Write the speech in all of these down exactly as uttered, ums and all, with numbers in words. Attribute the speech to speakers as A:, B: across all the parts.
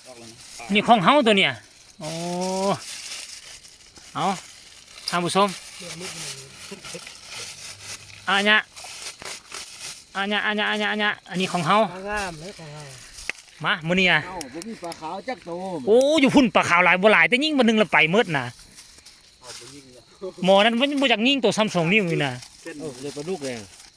A: นี่ของเฮาตัวเนี่ยโอ้เอาท่านผู้ชมอันเนี้ยอันเนี้ยอันเนี้ยอันเนี้ยอันเนี้ยอันนี้ของเฮา
B: งามเลยของเรา
A: มามื้อนี้อ่ะ
C: เอ้าบ่มีปลาขาวจักโต
A: โอ้อยู่พุ่นปลาขาวหลายบ่หลายแต่ยิ่งบ่นึงละไปหมดน่ะ
C: เอาไปยิงเนี่ย
A: หมอนั้นมันบ่จักยิงตัวซ้ำสองนิ้วนี่น่ะ
C: เส้นเลยปลาดุกเลย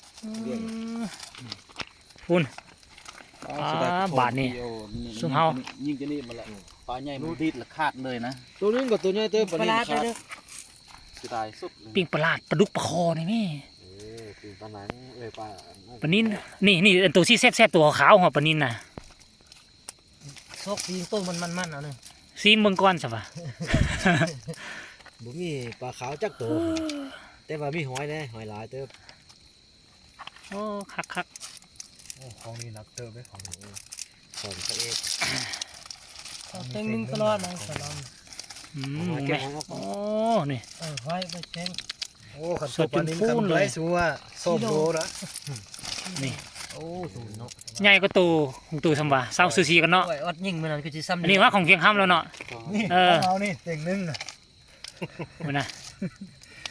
A: พุ่น บาทนี่ซุ่มเฮา
C: ยิงจะนี่มาละปลาใหญ่มันดีดละขาดเลยนะ
B: ตัวนี้กับตัวนี้เต้ป
C: ปลา
B: ลา
C: ขาด
B: เด้อ
C: สิตายสุดเลย
A: ปิ้งปลาลาดปลาดุกปลาคอนี่แม่
C: เออคือปลาหนังเอ้ยปลา
A: ปลานินนี่นี่อันตัวที่แซ่บๆตัวขาวหัวปลานินน่ะ
B: ซอกปีนต้นมันมันมันเอาหนึ่ง
A: ซีมเบิ่งก่อนซะว่ะ
B: บ่มีปลาขาวจักตัวแต่ว่ามีหอยแน่หอยหลายเต้อ
A: โอ้คักคัก
B: ของนี้นักเต้อไหมของนี้ของพระเอก
D: เต็งนึงตลอดนะสลอม
A: ๆอืมแม่โอ้นี่
D: เออไว้ไปเช็ง
B: โอ้ขันตัวปลานิ่มขันไรสัวส้มโลละ
A: นี่
B: โอ้สูงเนาะ
A: ใหญ่ก็ตัวของตัวซำว่าเศร้าซูซีกันเนาะ
D: ไว้อดยิงมันนั่นคือสิซ้ำ
A: อันนี้ว่าของเพียงค่ำแล้วเนาะ
B: นี่
A: เออ
B: เอานี่เต่งนึงนะ
A: พุ่นน่ะโอ้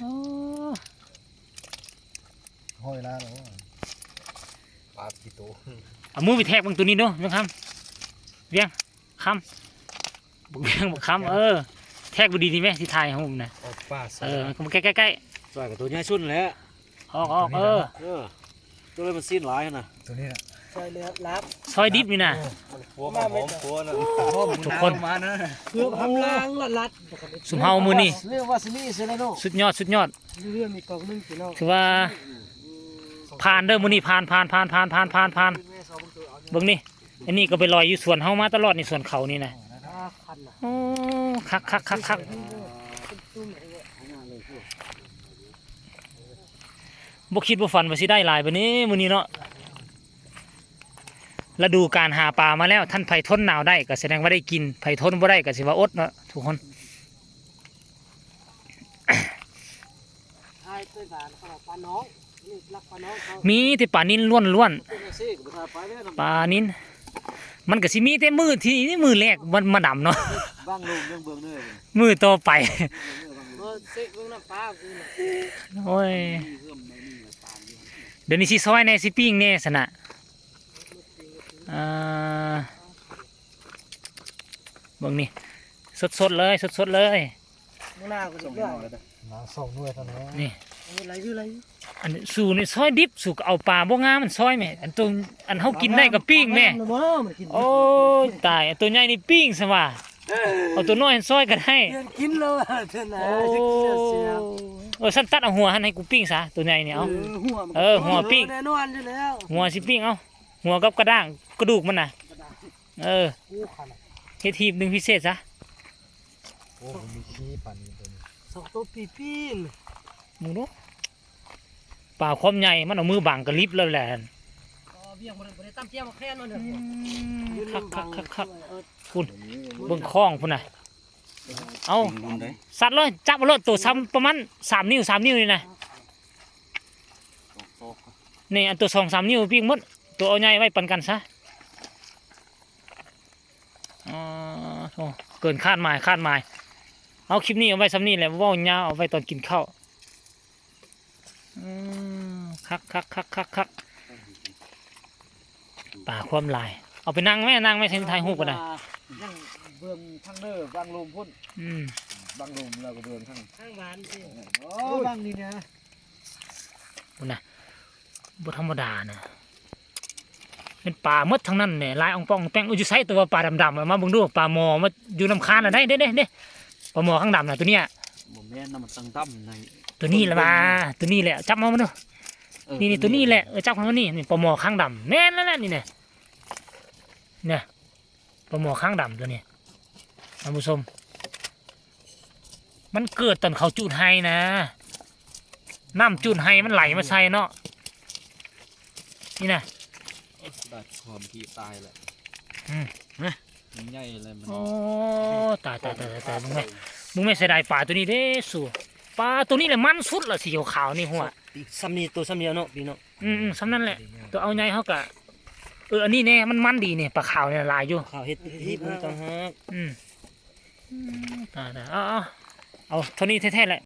B: หอยละเนาะปลากี่ตัว
A: เอามือไปแทกเบิ่งตัวนี้เนาะเพียงค่ำเพียงค่ำบ่เพียงบ่ค่ำเออแทกบ่ดีนี่แม่สิถ่ายให้ผมน่ะ
B: ออกปลา
A: เออมันก็ใกล้ๆ
C: สวยกับตัวใหญ่สุดแล้ว
A: ๆออกๆเออ
C: เออตัวเลยมันสิ้นหลายนะ
B: ตัวนี้นะ
D: ใส่เลือดลับ
A: ซอยดิบนี่น่ะ
C: หัวกับหอมหัวนะ
A: ทุกคน
C: มานะ
D: เพื่อทำล้างลัดลัด
A: สุมเฮามือนี่
B: เรียกว่าสนี่เซเลโน
A: สุดยอดสุดยอด
D: เรื่องมีกองนึงพี่น้อง
A: ถือว่าผ่านเด้อมือนี่ผ่านผ่านผ่านผ่านผ่านผ่านผ่านเบิ่งนี่อันนี้ก็ไปลอยอยู่สวนเฮามาตลอดในสวนเขานี่นะ
D: คันน่ะ
A: โอ้คักคักคักคักบ่คิดบ่ฝันว่าสิได้หลายบัดนี้มื้อนี้เนาะฤดูการหาปลามาแล้วท่านไผทนหนาวได้ก็แสดงว่าได้กินไผทนบ่ได้ก็สิว่าอดเนาะทุกคน
D: ทายด้วยกันเขาบอกปลาน้องนี่รักปลาน้องเขา
A: มีแต่ปลานินล้วนล้วน
C: เป็นซี่กับปลาไปเนี่ย
A: ๆปลานินมันก็สิมีแต่มือที่นี่มือแรกมันมาดำเนาะ
C: บ้างลงยังเบืองเนื้อ
A: มือต่อไป
D: เออเซ็กเรื่องน้ำปลาคือน่ะ
A: โอ้ยเดี๋ยวนี้สิซอยแน่สิปิ้งแน่สนะอ่าเบิ่งนี่สดๆเลยสดๆเลย
D: มื้อหน้าก็จะเลือก
B: น้ำส่งด้วยเท่านั้น
A: นี่
D: อะไรคืออะไร
A: อันนี้สู่นี่ซอยดิบสู่ก็เอาปลาบ่งามมันซอยแม่อันตัวอันเฮากินได้ก็ปิ้งแม่
D: บ่มันกิน
A: โอ้ยตายอันตัวใหญ่นี่ปิ้งซะว่าเอาตัวน้อยซอยก็ได้
D: เดือนกินแล้วเท่านั้น
A: โอ้
D: จะกินแล้วเสีย
A: เออฉันตัดเอาหัวหันให้กูปิ้งซะตัวใหญ่นี่เอา
D: หัว
A: เออหัวปิ้ง
D: แน่นอนอยู่แล้ว
A: หัวสิปิ้งเอาหัวกับกระด้างกระดูกมันน่ะเออ
D: กูคัน
A: เฮ็ดทีมหนึงพิเศษซะ
B: โอ้มีขี้ปลานิ่มตัวนี้
D: สองตัวปีปีน
A: มึงดูปลาความใหญ่มันเอามือบังกระลิบแล้วแหละ
D: อ๋อเบี้ยงบ่ได้บ่ได้ตำเตี้ยมาแค่นั้นเด้อ
A: คักคักคักคักคุณเบิ่งคล้องพุ่นน่ะเอาสัตว์เลยจับมาเลยตัวซ้ำประมาณสามนิ้วสามนิ้วนี่นะนี่อันตัวสองสามนิ้วปิ้งหมดตัวเอาใหญ่ไว้ปันกันซะอ๋อโอ้เกินคาดหมายคาดหมายเอาคลิปนี้เอาไว้ซ้ำนี่แหละเว่ายาวเอาไว้ตอนกินข้าวอืมคักคักคักคักคักป่าความลายเอาไปนั่งแม่นั่งแม่เส้นทายหูก็ได้
C: ยังเบืองทั้งเด้อบางลมพุ่น
A: อืม
C: บางลมเราก็เบืองทั้ง
D: ข้างบ้านสิ
C: โอ้
B: โอ้บางนี่นะ
A: บุญนะบุธรรมดานะเป็นป่าหมดทั้งนั้นเนี่ยลายอ่องป้องแป้งอุจไซตัวปลาดำๆอะมาเบิ่งดูปลาหมอมาอยู่น้ำคานอ่ะได้เด้เด้เด้ปลาหมอข้างดำน่ะตัวเนี้ย
C: บ่แม่นน้ำมันตั้งตั้มใน
A: ตัวนี้แหละมาตัวนี้แหละจับมามาดูนี่นี่ตัวนี้แหละเออจับมานี่นี่ปลาหมอข้างดำแม่นแล้วแหละนี่เนี่ยเนี่ยปลาหมอข้างดำตัวนี้ท่านผู้ชมมันเกิดตอนเขาจุดไฮนะน้ำจุดไฮมันไหลมาใส่เนาะนี่นะ
C: ดัดความที่ตายแหละ
A: อืม
C: มันใหญ่เลยมัน
A: โอ้ตายตายตายตายตายมึงไม่มึงไม่เสียดายปลาตัวนี้เด้สู่ปลาตัวนี้แหละมันสุดละสีขาวๆนี่หัว
B: ซ้ำนี่ตัวซ้ำเดียวเนาะพี่เนาะ
A: อืมอืมสำนั่นแหละตัวเอาไงเขากะเอออันนี้แน่มันมันดีเนี่ยปลาขาวเนี่ยลายอยู่
B: ข้าวเฮ็ดที่มันต่างหาก
A: อืมอืมอ่าๆเอาเอาเอาเท่านี้แท้ๆแหละ